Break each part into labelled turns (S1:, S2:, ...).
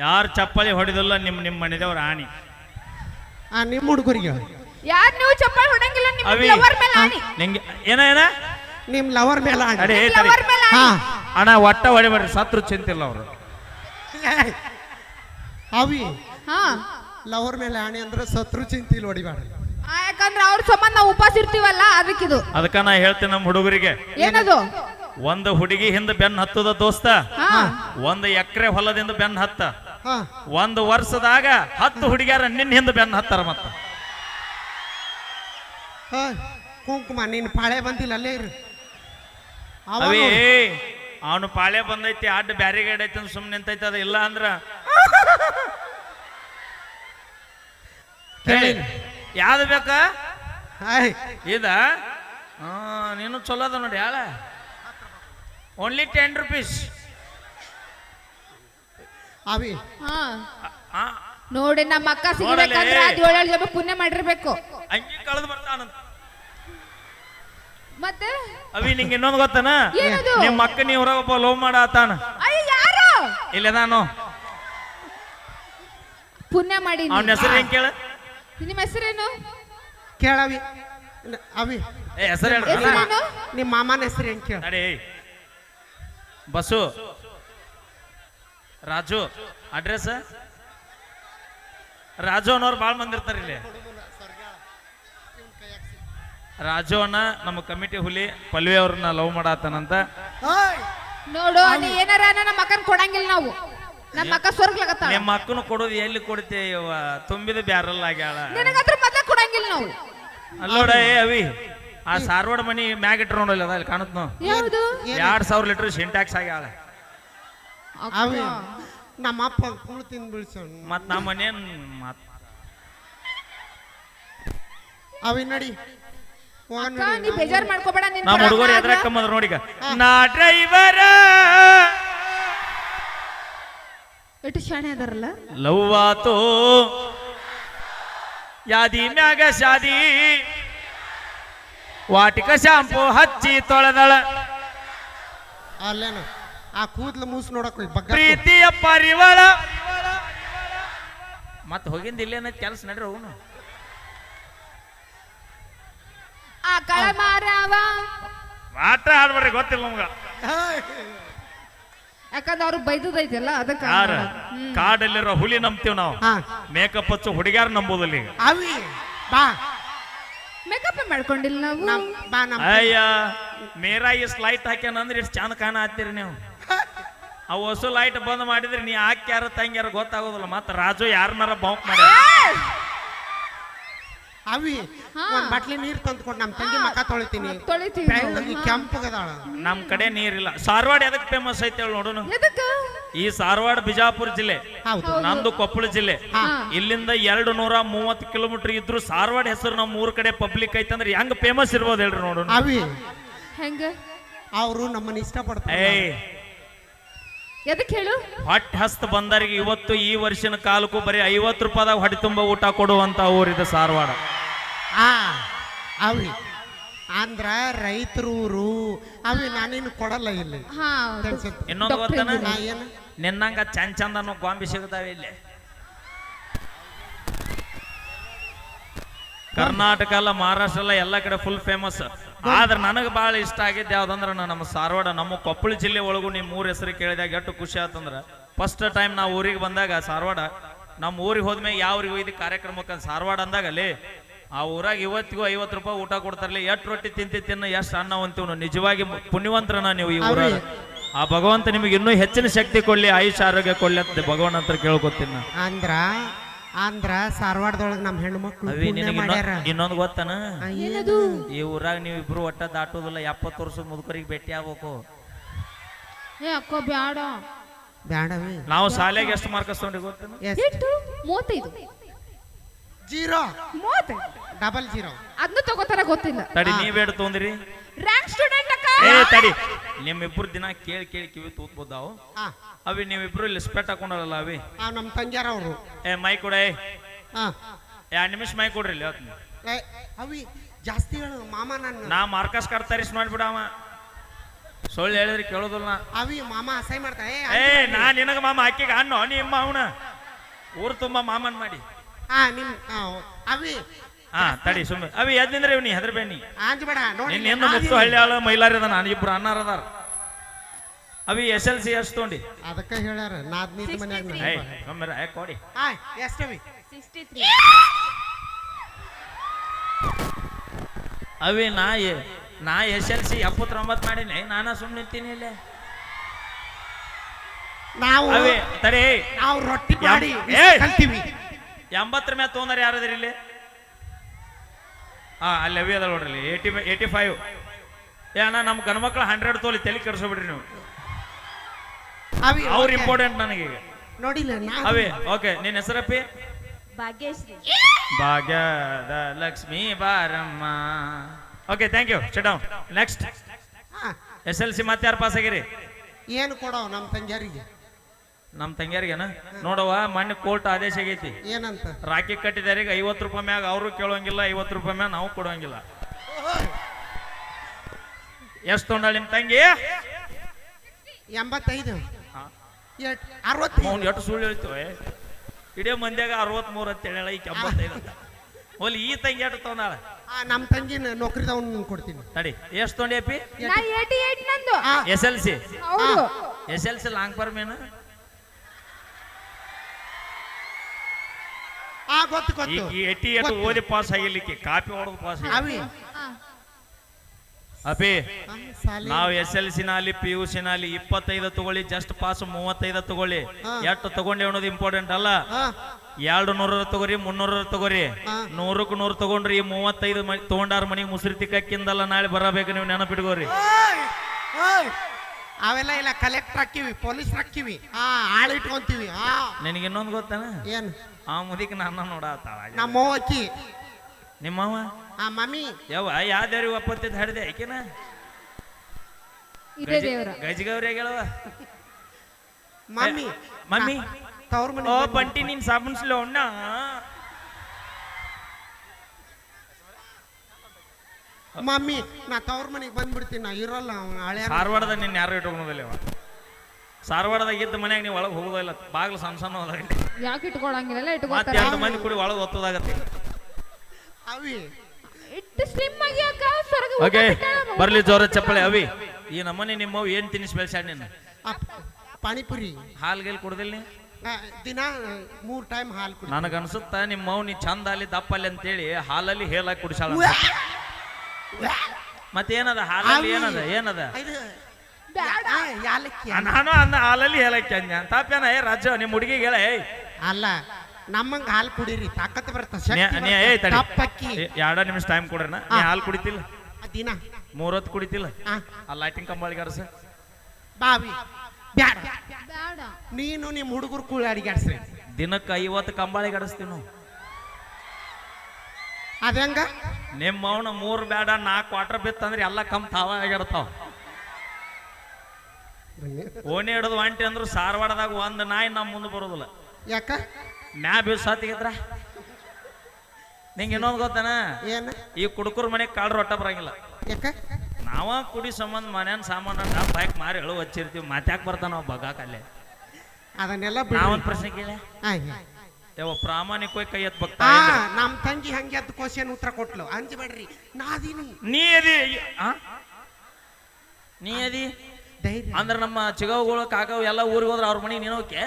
S1: ಯಾರು ಚಪ್ಪಲಿ ಹೊಡಿದಲ್ಲ ನಿಮ್ಮ ಮನೆದೇವ್ರ ಆಣಿ.
S2: ನಿಮ್ಮ ಹುಡುಗರಿಗೆ
S3: ಯಾರು ನೀವು ಚಪ್ಪಲಿ ಹೊಡಂಗಿಲ್ಲ ನಿಮ್ಮ ಲವರ್ ಮೇಲೆ ಆಣಿ.
S1: ನಿಂಗೆ ಏನ
S2: ನಿಮ್ ಲವರ್ ಮೇಲೆ ಆಣಿ.
S1: ಅಡೇ ಅಣ್ಣ ಒಟ್ಟ ಹೊಡಿಬೇಡ್ರಿ, ಸತ್ರು ಚಿಂತಿಲ್ಲ ಅವರು.
S2: ಅವಿ
S3: ಹಾ
S2: ಲವರ್ ಮೇಲೆ ಆಣಿ ಅಂದ್ರೆ ಸತ್ರು ಚಿಂತಿಲ್ ಹೊಡಿಬೇಡ್ರಿ.
S3: ಯಾಕಂದ್ರೆ ಅವ್ರ ಸಂಬಂಧ ನಾವು ಉಪವಾಸ ಇರ್ತೀವಲ್ಲ ಅದಕ್ಕಿದು.
S1: ಅದಕ್ಕ ನಾ ಹೇಳ್ತೀನಿ ನಮ್ಮ ಹುಡುಗರಿಗೆ,
S3: ಏನದು
S1: ಒಂದು ಹುಡುಗಿ ಹಿಂದ ಬೆನ್ನ ಹತ್ತದ ದೋಸ್ತ, ಒಂದು ಎಕರೆ ಹೊಲದಿಂದ ಬೆನ್ನ ಹತ್ತ, ಒಂದು ವರ್ಷದಾಗ 10 ಹುಡುಗಿಯರ ನಿನ್ನ ಹಿಂದ ಬೆನ್ನ ಹತ್ತಾರ. ಮತ್ತ
S2: ಕುಂಕುಮ ನೀನ್ ಪಾಳೆ ಬಂದಿಲ್ಲ ಅಲ್ಲೇ ಇರು.
S1: ಅವೇ ಅವನು ಪಾಳೆ ಬಂದೈತಿ, ಅಡ್ಡ ಬ್ಯಾರಿಗೇಡ್ ಐತಿ ಅಂತ ಸುಮ್ಮನೆ ನಿಂತೈತಿ. ಅದ ಇಲ್ಲ ಅಂದ್ರ ಯಾವ್ದು ಬೇಕ ಇದ ನೀನು ಚಲೋ ಅದ ನೋಡಿ. ಯಾಳ ಓನ್ಲಿ 10 ರೂಪೀಸ್.
S2: ಅವಿ
S3: ನೋಡಿ ನಮ್ಮ ಅಕ್ಕ ಸಿಗ್ಬೇಕಂದ್ರೆ 7 ಜನ ಪುಣ್ಯ ಮಾಡಿರ್ಬೇಕು.
S1: ಅಂಗಿ ಕಳೆದು ಬರ್ತಾನಂತ.
S3: ಮತ್ತೆ
S1: ಅವಿ ನಿಂಗೆ ಇನ್ನೊಂದು ಗೊತ್ತನ, ನಿಮ್ಮ ಅಕ್ಕ ನೀ ಹೊರಗೊಬ್ಬ ಲವ್ ಮಾಡತಾನ.
S3: ಯಾರು
S1: ಇಲ್ಲ ನಾನು
S3: ಪುಣ್ಯ ಮಾಡಿ.
S1: ಅವನ ಹೆಸರು ಹೆಂಗ್ ಕೇಳ?
S3: ನಿಮ್ಮ ಹೆಸರೇನು
S2: ಕೇಳವಿ. ಅವಿ
S1: ಹೆಸರು ಹೇಳ.
S2: ನಿಮ್ಮ ಮಾಮನ ಹೆಸರು ಹೆಂಗ್ ಕೇಳ?
S1: ಅಡೇ ಬಸ್ಸು, ರಾಜು. ಅಡ್ರೆಸ್ ರಾಜು ಅನ್ನೋರು ಭಾಳ ಮಂದಿ ಇರ್ತಾರೆ ಇಲ್ಲಿ. ರಾಜು ಅನ್ನ ನಮ್ಮ ಕಮಿಟಿ ಹುಲಿ ಪಲ್ವಿ ಅವ್ರನ್ನ ಲವ್ ಮಾಡತ್ತಾನಂತ.
S3: ನೋಡು ನೀ ಏನಾರ ನಮ್ಮ ಅಕ್ಕನ ಕೊಡಂಗಿಲ್ಲ ನಾವು. ನಮ್ಮ ಅಕ್ಕ ಸ್ವರ್ಗ್ಲಾಗತ್ತ.
S1: ನಿಮ್ಮ ಅಕ್ಕನು ಕೊಡೋದು ಎಲ್ಲಿ ಕೊಡ್ತೇವ? ತುಂಬಿದ ಬ್ಯಾರಲ್ ಆಗ್ಯಾಳ.
S3: ನಿನಗತ್ರ ಮತ್ತೆ ಕೊಡಂಗಿಲ್ಲ ನಾವು.
S1: ಅಲ್ಲೋಡ ಏ ಅವಿ, ಆ ಸಾರ್ವಾಡ ಮನಿ ಮ್ಯಾಗ ಇಟ್ರ ನೋಡಲ್ಲ, ಅದ ಕಾಣುತ್ತ ನಾವು. 2000 ಲೀಟರ್ ಸಿಂಟ್ಯಾಕ್ಸ್ ಆಗ್ಯಾಳ.
S2: ಅವಿ ನಮ್ಮ ಅಪ್ಪ ಕುಳು ತಿಂದು ಬೀಳ್ಸೋಣ.
S1: ಮತ್ ನಮ್ಮ ಮನೇನ್
S2: ಅವಿ ನಡಿ
S3: ನೀ ಬೇಜಾರ್ ಮಾಡ್ಕೋಬೇಡ.
S1: ನಮ್ಮ ಹುಡುಗರು ಎದ್ರಕ್ಕಂಬಂದ್ರ ನೋಡಿಗ ನಾ ಡ್ರೈವರ
S3: ಎಷ್ಟು ಶಾಣೆ ಅದಾರಲ್ಲ.
S1: ಲವ್ ಆತೋ ಯಾದಿ ಮ್ಯಾಗ ಶಾದಿ, ವಾಟಿಕ ಶಾಂಪು ಹಚ್ಚಿ ತೊಳೆದಳ,
S2: ಅಲ್ಲೇನು ಆ ಕೂದ್ಲು ಮೂಸ್ ನೋಡಕ್
S1: ಪ್ರೀತಿಯ ಪರಿವಳ. ಮತ್ ಹೋಗಿಂದ ಇಲ್ಲೇನ ಕೆಲಸ ನಡ್ರಿ ಅವನು.
S3: ಆ ಕಳ ಮಾರವ
S1: ಆಟ ಆಡ್ಬಾರ್ರಿ, ಗೊತ್ತಿಲ್ಲ ನಮ್ಗ.
S3: ಯಾಕಂದ್ರೆ ಅವ್ರು ಬೈದೈತಲ್ಲ ಅದಕ್ಕೆ.
S1: ಯಾರ ಕಾಡಲ್ಲಿರೋ ಹುಲಿ ನಂಬ್ತೀವಿ ನಾವು, ಮೇಕಪ್ ಹಚ್ಚು ಹುಡುಗ್ಯಾರ ನಂಬೋದಿಲ್ಲ. ಈಗ
S2: ಅವಿ ಬಾ
S3: ಮೇಕಪ್ ಮಾಡ್ಕೊಂಡಿಲ್ಲ ನಾವು.
S1: ಅಯ್ಯ ಮೇರಾ ಇಸ್ ಲೈಟ್ ಹಾಕ್ಯಾನಂದ್ರೆ ಇಷ್ಟು ಚಂದ ಕಾಣ ಹತ್ತೀರಿ ನೀವು. ಅವು ಹೊಸ ಲೈಟ್ ಬಂದ್ ಮಾಡಿದ್ರೆ ನೀ ಹಾಕ್ಯಾರ ತಂಗ್ಯಾರ ಗೊತ್ತಾಗೋದಿಲ್ಲ. ಮತ್ತ ರಾಜು ಯಾರನ್ನಾರ ಬೌಂಕ್ ಮಾಡಿ.
S2: ಅವಿ ಒಂದ್ ಬಾಟ್ಲಿ ನೀರ್ ತಂದ್ಕೊಂಡು ನಮ್ ತಂಗಿ ಮಕ್ಕ ತೊಳಿತೀನಿ. ಕೆಂಪಗದಾಳ.
S1: ನಮ್ ಕಡೆ ನೀರಿಲ್ಲ. ಸಾರವಾಡ ಎದಕ್ ಫೇಮಸ್ ಐತೆ ಹೇಳಿ ನೋಡೋಣ. ಈ ಸಾರವಾಡ ಬಿಜಾಪುರ ಜಿಲ್ಲೆ, ನಮ್ದು ಕೊಪ್ಪಳ ಜಿಲ್ಲೆ. ಇಲ್ಲಿಂದ 230 ಕಿಲೋಮೀಟರ್ ಇದ್ರು ಸಾರವಾಡ ಹೆಸರು ನಮ್ಮ ಊರ್ ಕಡೆ ಪಬ್ಲಿಕ್ ಐತಂದ್ರೆ ಹೆಂಗ್ ಫೇಮಸ್ ಇರ್ಬೋದು ಹೇಳ್ರಿ ನೋಡೋಣ.
S2: ಅವಿ
S3: ಹೆಂಗ
S2: ಅವರು ನಮ್ಮನ್ನ ಇಷ್ಟಪಡ್ತಾರೆ.
S3: ಎದಕ್ಕೆ ಹೇಳು?
S1: ಹೊಟ್ಟೆ ಹಸ್ತ ಬಂದರಿಗೆ ಇವತ್ತು ಈ ವರ್ಷನ ಕಾಲಕ್ಕೂ ಬರೀ 50 ರೂಪಾಯಿದಾಗ ಹೊಟ್ಟೆ ತುಂಬ ಊಟ ಕೊಡುವಂತ ಊರಿದೆ ಸಾರವಾಡ.
S2: ಅವಿ ಅಂದ್ರ ರೈತರೂರು. ಅವಿ ನಾನೇನು ಕೊಡಲ್ಲ ಇಲ್ಲಿ.
S1: ಇನ್ನೊಂದು ಗೊತ್ತನ, ನಿನ್ನಂಗ ಚಂದ ಚಂದ ಅನ್ನೋ ಗೊಂಬಿ ಸಿಗ್ತಾವೆ ಇಲ್ಲಿ. ಕರ್ನಾಟಕ ಅಲ್ಲ, ಮಹಾರಾಷ್ಟ್ರ ಅಲ್ಲ, ಎಲ್ಲ ಕಡೆ ಫುಲ್ ಫೇಮಸ್. ಆದ್ರೆ ನನಗೆ ಭಾಳ ಇಷ್ಟ ಆಗಿದ್ದು ಯಾವ್ದಂದ್ರೆ ನಮ್ಮ ಸಾರವಾಡ, ನಮ್ಮ ಕೊಪ್ಪಳ ಜಿಲ್ಲೆ ಒಳಗೂ ನಿಮ್ಮ ಊರ ಹೆಸರು ಕೇಳಿದಾಗ ಎಷ್ಟು ಖುಷಿ ಆತಂದ್ರೆ, ಫಸ್ಟ್ ಟೈಮ್ ನಾವು ಊರಿಗೆ ಬಂದಾಗ ಸಾರವಾಡ, ನಮ್ಮ ಊರಿಗೆ ಹೋದ್ಮೇಲೆ ಯಾವ ಊರಿಗೆ ಹೋಯ್ದು ಕಾರ್ಯಕ್ರಮಕ್ಕೆ ಸಾರವಾಡ ಅಂದಾಗ ಅಲ್ಲಿ ಆ ಊರಾಗ ಇವತ್ತಿಗೂ 50 ರೂಪಾಯಿ ಊಟ ಕೊಡ್ತಾರಲ್ಲ. ಎಷ್ಟು ರೊಟ್ಟಿ ತಿನ್ನ ಎಷ್ಟು ಅನ್ನ ಅಂತೀವ್. ನಿಜವಾಗಿ ಪುಣ್ಯವಂತರನ ನೀವು ಈ ಊರಾಗ. ಆ ಭಗವಂತ ನಿಮಗೆ ಇನ್ನೂ ಹೆಚ್ಚಿನ ಶಕ್ತಿ ಕೊಡ್ಲಿ, ಆಯುಷ್ ಆರೋಗ್ಯ ಕೊಡ್ಲಿ ಅಂತ ಭಗವಾನ್ ಹತ್ರ ಕೇಳ್ಕೊತೀನಿ.
S2: ಅಂದ್ರ ಸಾರವಾಡದೊಳಗ ನಮ್ ಹೆಣ್ಮಕ್ಳು
S1: ಇನ್ನೊಂದು ಗೊತ್ತನ, ಈ ಊರಾಗ ನೀವು ಇಬ್ರು ಒಟ್ಟ ದಾಟೋದಿಲ್ಲ. 70 ವರ್ಷದ ಮುದುಕರಿಗೆ ಭೇಟಿ ಆಗ್ಬೇಕು.
S3: ಬ್ಯಾಡ
S2: ಬ್ಯಾಡವಿ.
S1: ನಾವು ಶಾಲೆಗೆ ಎಷ್ಟು ಮಾರ್ಕ್ಸ್ ತಗೊಂಡ್ರಿ ಗೊತ್ತೇನು?
S3: 35
S2: 0 ಡಬಲ್ 0
S3: ಅದನ್ನ ತಗೋತಾರ ಗೊತ್ತಿಲ್ಲ.
S1: ತಡಿ, ನೀವೇಡ್ ತೊಂದ್ರಿ
S3: ರ್ಯಾಂಕ್ ಸ್ಟೂಡೆಂಟ್ ಅಕ್ಕ.
S1: ತಡಿ, ನಿಮ್ಮಿಬ್ರು ದಿನ ಕೇಳಿ ಕಿವಿ ತೂತ್ಬೋದಾವು. ಅವಿ ನೀವಿಬ್ರು ಇಲ್ಲಿ ಸ್ಪೆಟ್ ಹಾಕೊಂಡಲ್ಲ ಅವಿ.
S2: ನಮ್ ತಂಗ್ಯಾರ ಅವರು.
S1: ಮೈ ಕೊಡ, 2 ನಿಮಿಷ ಮೈ ಕೊಡ್ರಿ ಇಲ್ಲಿ.
S2: ಅವಿ ಜಾಸ್ತಿ ಹೇಳು ಮಾಮ. ನಾ
S1: ಮಾರ್ಕಸ್ ಕಾರ್ಡ್ ತರಿಸಿ ಮಾಡ್ಬಿಡವ. ಸುಳ್ಳು ಹೇಳಿದ್ರೆ ಕೇಳೋದಿಲ್ಲ ನಾ.
S2: ಅವಿ ಮಾಮ ಅಸಹ್ಯ ಮಾಡ್ತಾ
S1: ನಾ ನಿನಗ ಮಾಮ ಆಕಿಗೆ ಅಣ್ಣು ನಿಮ್ಮ ಅವನ ಊರು ತುಂಬಾ ಮಾಮನ್ ಮಾಡಿ
S2: ನಿಮ್ ಅವಿ
S1: ತಡಿ ಸುಮ್ಮನೆ ಅವಿ ಎದ್ದಿಂದ್ರೆ ಇವ್ನಿ ಹೆದರ್ಬೇಡಿ
S2: ಆಂಜಬೇಡ ನೋಡಿ
S1: ನಿನ್ನ ಮುತ್ತು ಹಳ್ಳಿ ಆಳ ಮೈಲಾರಿ ಅದ ನಾನು ಇಬ್ರು ಅನ್ನಾರ ಅದಾರ ಅವಿ SLC ಎಷ್ಟು ತೊಗೊಂಡಿ
S2: ಅದಕ್ಕೆ ಹೇಳ್ಯಾರ ನಾದ್ನೀತ್ ಮನ್ಯಾಗ
S1: ಕೊಡಿ
S2: ಎಷ್ಟವಿ
S3: 63
S1: ಅವಿ ನಾ SLC 79 ಮಾಡೀನಿ ನಾನಾ ಸುಮ್ಮನೆ ನಿಂತೀನಿ ಇಲ್ಲೇ
S2: ನಾವು
S1: ಅವಿ ತಡಿ
S2: ನಾವು ರೊಟ್ಟಿ ಮಾಡಿ ಕಲ್ತೀವಿ
S1: 80 ಮೇಲೆ ತೊಗೊಂಡಾರ ಯಾರದ್ರಿ ಇಲ್ಲಿ ಅಲ್ಲಿ ಅವಿ ಅದ ನೋಡ್ರಿ 85 ಅಣ್ಣ ನಮ್ಮ ಗಣಮಕ್ಳು 100 ತೋಲಿ ತಲೆ ಕೆಡಿಸ್ಬಿಡ್ರಿ ನೀವು ಅವ್ರ ಇಂಪಾರ್ಟೆಂಟ್ ನನಗೆ ಈಗ
S2: ನೋಡಿಲ್ಲ
S1: ಅವೇ ಓಕೆ ನಿನ್ನ ಹೆಸರಪ್ಪಿ
S3: ಭಾಗ್ಯಶ್ರೀ
S1: ಭಾಗ್ಯದ ಲಕ್ಷ್ಮೀ ಬಾರಮ್ಮ okay thank you sit down next SLC ಮತ್ತೆ ಯಾರು ಪಾಸ್ ಆಗಿರಿ
S2: ಏನು ಕೊಡೋ ನಮ್ಮ ತಂಗಿಯರಿಗೆ
S1: ನಮ್ಮ ತಂಗಿಯರಿಗೆನ ನೋಡವ ಮೊನ್ನೆ ಕೋರ್ಟ್ ಆದೇಶ ಆಗೈತಿ
S2: ಏನಂತ
S1: ರಾಖಿ ಕಟ್ಟಿದಾರಿಗೆ 50 ರೂಪಾಯಿ ಮ್ಯಾಗ ಅವರು ಕೇಳೋಂಗಿಲ್ಲ 50 ರೂಪಾಯಿ ಮ್ಯಾಗ ನಾವು ಕೊಡೋಂಗಿಲ್ಲ ಎಷ್ಟು ತೊಗೊಂಡಾಳ ನಿಮ್ಮ ತಂಗಿ
S2: 85
S1: ಅವ್ನು ಎಷ್ಟು ಸುಳ್ಳು ಹೇಳ್ತೀವಿ ಇಡೀ ಮಂದ್ಯಾಗ 63 ಅಂತ ಹೇಳ ಈಗ 85 ಅಂತ ಹೋಲಿ ಈ ತಂಗಿ ಎಷ್ಟು ತೊಗೊಂಡಾಳ
S2: ನಮ್ಮ ತಂಗಿನ ನೌಕರಿದವನ್ ಕೊಡ್ತೀನಿ
S1: ತಡಿ ಎಷ್ಟು ತೊಗೊಂಡಿ ಅಪ್ಪಿ
S3: ನಾ 88 ನಂದು
S1: SLC
S3: ಹೌದು
S1: SLC ಲಾಂಗ್ ಫಾರ್ಮ್ ಏನು
S2: ಗೊತ್ತು ಗೊತ್ತು
S1: ಈ 88 ಓದಿ ಪಾಸ್ ಆಗಿರ್ಲಿಕ್ಕೆ ಕಾಪಿ ಹೊಡೆದು ಪಾಸ್
S2: ಅವಿ
S1: ಅಪಿ ನಾವು SLC ನಲ್ಲಿ PUC ನಲ್ಲಿ 25 ತಗೊಳ್ಳಿ ಜಸ್ಟ್ ಪಾಸ್ 35 ತಗೊಳ್ಳಿ ಎಷ್ಟು ತಗೊಂಡಿ ಅನ್ನೋದು ಇಂಪಾರ್ಟೆಂಟ್ ಅಲ್ಲ 200 ತಗೋರಿ 300 ತಗೋರಿ 100ಕ್ಕೆ 100 ತಗೊಂಡ್ರಿ 35 ತಗೊಂಡಾರ ಮನಿಗೆ ಮುಸ್ರಿ ತಿಕ್ಕಿಂದಲ್ಲ ನಾಳೆ ಬರಬೇಕು ನೀವು ನೆನಪಿಟ್ಕೋರಿ
S2: ಅವೆಲ್ಲ ಇಲ್ಲ ಕಲೆಕ್ಟರ್ ಹಾಕಿವಿ ಪೊಲೀಸ್ ಹಾಕಿವಿ ಆಳ್ ಇಟ್ಕೊಂತೀವಿ
S1: ನಿನಗೆ ಇನ್ನೊಂದು ಗೊತ್ತಾನ
S2: ಏನು
S1: ಆ ಮುದಿಕ್ ನನ್ನ ನೋಡತ್ತಾಳ
S2: ನಮ್ಮ ಅಕ್ಕಿ
S1: ನಿಮ್ಮವ
S2: ಮಮ್ಮಿ
S1: ಯಾವ್ದಾರಿ ಒಪ್ಪತ್ತಿದ್ ಹಡ್ದೆ ಆಕಿನ
S3: ಇದೇ ದೇವರ
S1: ಗಜಗೌರಿ ಹೇಳವ
S2: ಮಮ್ಮಿ
S1: ಮಮ್ಮಿ
S2: ತವ್ರ ಮನೆ
S1: ಓ ಬಂಟಿ ನೀನ್ ಸಾಬೂನ್ಸ್ಲೋ ಅಣ್ಣ
S2: ಮಮ್ಮಿ ನಾ ತವ್ರ ಮನೆಗೆ ಬಂದ್ಬಿಡ್ತೀನಿ ನಾ ಇರಲ್ಲ ಹಳೆ
S1: ಧಾರವಾಡದಾಗ ನಿನ್ನ ಯಾರು ಇಟ್ಕೊಂಡೋದಿಲ್ಲ ಅವ ಧಾರವಾಡದಾಗ ಇದ್ದ ಮನ್ಯಾಗ ನೀವು ಒಳಗೆ ಹೋಗೋದಿಲ್ಲ ಬಾಗ್ಲು ಸಣ್ಣ ಸಣ್ಣ ಹೋದಾಗ
S3: ಯಾಕೆ ಇಟ್ಕೊಳಂಗಿಲ್ಲ
S1: ಮತ್ತೆ
S3: ಇಟ್ಕೊತಾರೆ
S1: 2 ಮಂದಿ ಕೂಡಿ ಒಳಗೆ ಒತ್ತದಾಗತ್ತೆ
S2: ಅವಿ
S3: ಇಟ್ಟು ಸ್ಲಿಮ್ ಆಗಿ ಅಕ್ಕ ಸೊರಗ
S1: ಓಕೆ ಬರ್ಲಿ ಜೋರ ಚಪ್ಪಳೆ ಅವಿ ಈ ನಮ್ಮನೆ ನಿಮ್ಮವ್ ಏನ್ ತಿನ್ನಿಸ್ ಬೆಳ್ಸ್ಯಾಡ ನೀನು
S2: ಪಾನಿಪುರಿ
S1: ಹಾಲ್ ಗೀಲ್ ಕುಡ್ದಿಲ್ಲ ನೀ
S2: ದಿನ 3 ಟೈಮ್ ಹಾಲು ಕುಡಿ
S1: ನನಗ ಅನ್ಸುತ್ತ ನಿಮ್ಮವ್ ನೀ ಚಂದ ಅಲ್ಲಿ ದಪ್ಪ ಅಲ್ಲಿ ಅಂತೇಳಿ ಹಾಲಲ್ಲಿ ಹೇಲಾಗಿ ಕುಡಿಸಾಳ ಮತ್ತೇನದ ಹಾಲಲ್ಲಿ ಏನದ
S2: ಯಾಲಕ್ಕಿ
S1: ನಾನು ಅನ್ನ ಹಾಲಲ್ಲಿ ಹೇಳಕ್ಕೆ ಅಂದ ತಾಪ್ಯಾನ ರಾಜ ನಿಮ್ಮ ಹುಡುಗಿಗೆ ಹೇಳ
S2: ಅಲ್ಲ ನಮ್ಮಂಗ ಹಾಲು ಕುಡೀರಿ ತಾಕತ್ ಬರ್ತ
S1: ತಪ್ಪಕ್ಕಿ 2 ನಿಮಿಷ ಟೈಮ್ ಕೊಡ್ರನ ನೀ ಹಾಲು ಕುಡಿತಿಲ್ಲ
S2: ದಿನ
S1: 3 ಹೊತ್ತು ಕುಡಿತಿಲ್ಲ ಆ ಲೈಟಿಂಗ್ ಕಂಬಳಿಗೆ ಅರಸ
S2: ಬಾವಿ ಬ್ಯಾಡ
S3: ಬೇಡ
S2: ನೀನು ನಿಮ್ಮ ಹುಡುಗರು ಕೂಳಿ ಅಡಿಗಾಡ್ಸ್ರಿ
S1: ದಿನಕ್ಕೆ 50 ಕಂಬಳಿಗೆ ಅಡಸ್ತೀವಿ ನಾವು
S2: ಅದಂಗ
S1: ನಿಮ್ಮ ಅವನ 3 ಬೇಡ 4 ಕ್ವಾರ್ಟರ್ ಬಿತ್ತಂದ್ರೆ ಎಲ್ಲ ಕಮ್ ತಾವ ಆಗಿರ್ತಾವ ಓಣಿ ಹಿಡಿದು ಒಂಟಿ ಅಂದ್ರು ಸಾರವಾಡದಾಗ ಒಂದು ನಾಯಿ ನಮ್ಮ ಮುಂದೆ ಬರೋದಿಲ್ಲ
S2: ಯಾಕ
S1: ಮ್ಯಾ ಬೀಸ್ ಸಾತಿಗಿದ್ರ ನಿಂಗೆ ಇನ್ನೊಂದು ಗೊತ್ತಾನ
S2: ಏನು
S1: ಈ ಕುಡುಕರ ಮನೆಗೆ ಕಾಳ್ರು ಒಟ್ಟ ಬರಂಗಿಲ್ಲ
S2: ಯಾಕ
S1: ನಾವ ಕುಡಿ ಸಂಬಂಧ ಮನೇನ ಸಾಮಾನು ಡಬ್ ಹಾಕಿ ಮಾರಿ ಎಳು ಹಚ್ಚಿರ್ತೀವಿ ಮಾತ್ಯಾಕೆ ಬರ್ತಾನ ನಾವು ಬಗಾಕಲ್ಲೇ
S2: ಅದನ್ನೆಲ್ಲ
S1: ನಾವೊಂದು ಪ್ರಶ್ನೆ ಕೇಳ ಯಾವ ಪ್ರಾಮಾಣಿಕವಾಗಿ ಕೈ ಎತ್ ಬಗ್ತಾ
S2: ನಮ್ ತಂಗಿ ಹಂಗೆ ಅದ್ ಕ್ವಶನ್ ಉತ್ತರ ಕೊಟ್ಲು ಅಂಜಬೇಡ್ರಿ ನಾದೀನಿ
S1: ನೀ ಅದಿ ನೀ ಅದಿ
S2: ಧೈರ್ಯ
S1: ಅಂದ್ರೆ ನಮ್ಮ ಚಿಗವುಗಳು ಕಾಕವು ಎಲ್ಲ ಊರಿಗೆ ಹೋದ್ರ ಅವ್ರ ಮನೆಗೆ ನೀನು ಹೋಗ್ಯ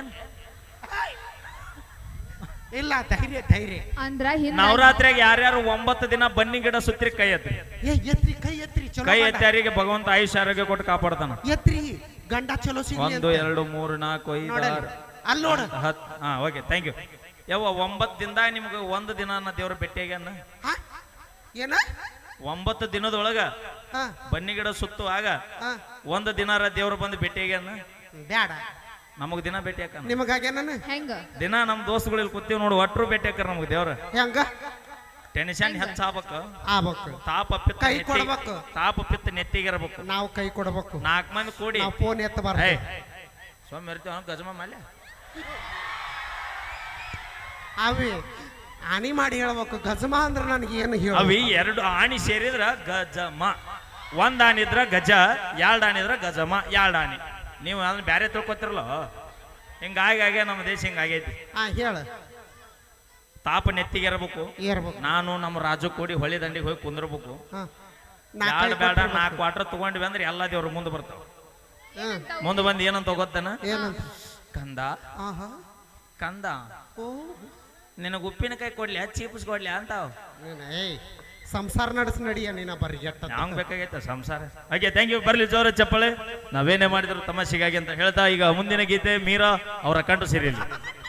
S2: ಇಲ್ಲ ಧೈರ್ಯ ಧೈರ್ಯ
S3: ಅಂದ್ರ
S1: ನವರಾತ್ರಿಯಾಗ ಯಾರ್ಯಾರು 9 ದಿನ ಬನ್ನಿ ಗಿಡ ಸುತ್ತಿರಿ ಕೈ ಎತ್ರಿ
S2: ಎತ್ರಿ ಕೈ ಎತ್ರಿ ಚಲೋ
S1: ಕೈ ಎತ್ತಾರಿಗೆ ಭಗವಂತ ಆಯುಷ್ಯ ಆರೋಗ್ಯ ಕೊಟ್ಟು ಕಾಪಾಡ್ತಾನ
S2: ಎತ್ರಿ ಗಂಡ ಚಲೋ ಸಿಗ್ಲಿ
S1: 1 2 3 4 5 6
S2: ಅಲ್ಲಿ ನೋಡು
S1: 10 ಓಕೆ ಥ್ಯಾಂಕ್ ಯು ಯಾವ 9 ದಿನದಾಗ ನಿಮ್ಗೆ 1 ದಿನ ದೇವ್ರ ಭೇಟಿಯಾಗ್ಯಾನ
S2: ಏನ
S1: 9 ದಿನದೊಳಗ ಬನ್ನಿ ಗಿಡ ಸುತ್ತುವಾಗ 1 ದಿನಾರ ದೇವ್ರ ಬಂದು ಭೇಟಿಯಾಗ್ಯಾನ
S2: ಬ್ಯಾಡ
S1: ನಮಗ್ ದಿನ ಭೇಟಿ ಹಾಕ
S2: ನಿಮಗಾಗೆ ನಾನು
S3: ಹೆಂಗ
S1: ದಿನ ನಮ್ ದೋಸ್ತುಗಳಲ್ಲಿ ಕೂತೀವಿ ನೋಡು ಒಟ್ರು ಭೇಟಿ ಹಾಕಾರ ನಮ್ಗೆ ದೇವ್ರ
S2: ಹೆಂಗ
S1: ಟೆನ್ಷನ್ ಹೆಚ್ಚಾಗಬೇಕು
S2: ಆಗ್ಬೇಕು
S1: ತಾಪ ಪಿತ್ತ
S2: ಕೈ ಕೊಡ್ಬೇಕು
S1: ತಾಪ ಪಿತ್ತ ನೆತ್ತಿಗಿರಬೇಕು
S2: ನಾವು ಕೈ ಕೊಡಬೇಕು
S1: 4 ಮಂದಿ ಕೂಡಿ
S2: ನಾವು ಫೋನ್ ಎತ್ತಬಾರ್ದು
S1: ಸೋಮ್ ಇರ್ತೀವ ಗಜಮ ಮಾಲೆ
S2: ಅವಿ ಆನಿ ಮಾಡಿ ಹೇಳ್ಬೇಕು ಗಜಮ ಅಂದ್ರೆ ನನಗೆ ಏನು ಹೇಳ
S1: ಅವಿ 2 ಆಣಿ ಸೇರಿದ್ರ ಗಜಮ ಒಂದ್ ಆನೆ ಇದ್ರ ಗಜ, ಎರಡ್ ಆನೆ ಇದ್ರ ಗಜಮ, ಎರಡ್ ಆನೆ. ನೀವು ಅದನ್ನ ಬ್ಯಾರೆ ತಿಳ್ಕೊತಿರಲ್ಲ, ಹಿಂಗಾಗಿ ನಮ್ಮ ದೇಶ ಹಿಂಗಾಗೈತಿ.
S2: ಹೇಳ.
S1: ತಾಪ ನೆತ್ತಿಗೆ ಇರಬೇಕು.
S2: ಏರ್ಬೇಕು.
S1: ನಾನು ನಮ್ಮ ರಾಜು ಕೂಡಿ ಹೊಳಿ ದಂಡಿಗೆ ಹೋಗಿ ಕುಂದಿರ್ಬೇಕು.
S2: ನಾಲ್ಕು
S1: ಬೇಡ 4 ಕ್ವಾರ್ಟರ್ ತಗೊಂಡ್ವಿ ಅಂದ್ರೆ ಎಲ್ಲ ದೇವ್ರು ಮುಂದೆ ಬರ್ತಾವ. ಮುಂದೆ ಬಂದು ಏನಂತ ಗೊತ್ತೇನ?
S2: ಏನಂತ?
S1: ಕಂದ ಕಂದ ನಿನಗೆ ಉಪ್ಪಿನಕಾಯಿ ಕೊಡ್ಲಿ, ಚೀಪ್ಸ್ ಕೊಡ್ಲಿ ಅಂತಾವ್.
S2: ಸಂಸಾರ ನಡೆಸ್ ನಡಿಯ ನೀನ ಬರ್ರಿ
S1: ಹಂಗ್ ಬೇಕಾಗೈತ ಸಂಸಾರ. ಹಾಗೆ ಥ್ಯಾಂಕ್ ಯು. ಬರ್ಲಿ ಜೋರ ಚಪ್ಪಳೆ. ನಾವೇನೇ ಮಾಡಿದ್ರು ತಮಾಷೆಗಾಗಿ ಅಂತ ಹೇಳ್ತಾ ಈಗ ಮುಂದಿನ ಗೀತೆ ಮೀರಾ ಅವರ ಕಂಠ ಸಿರಿಯಲ್ಲಿ.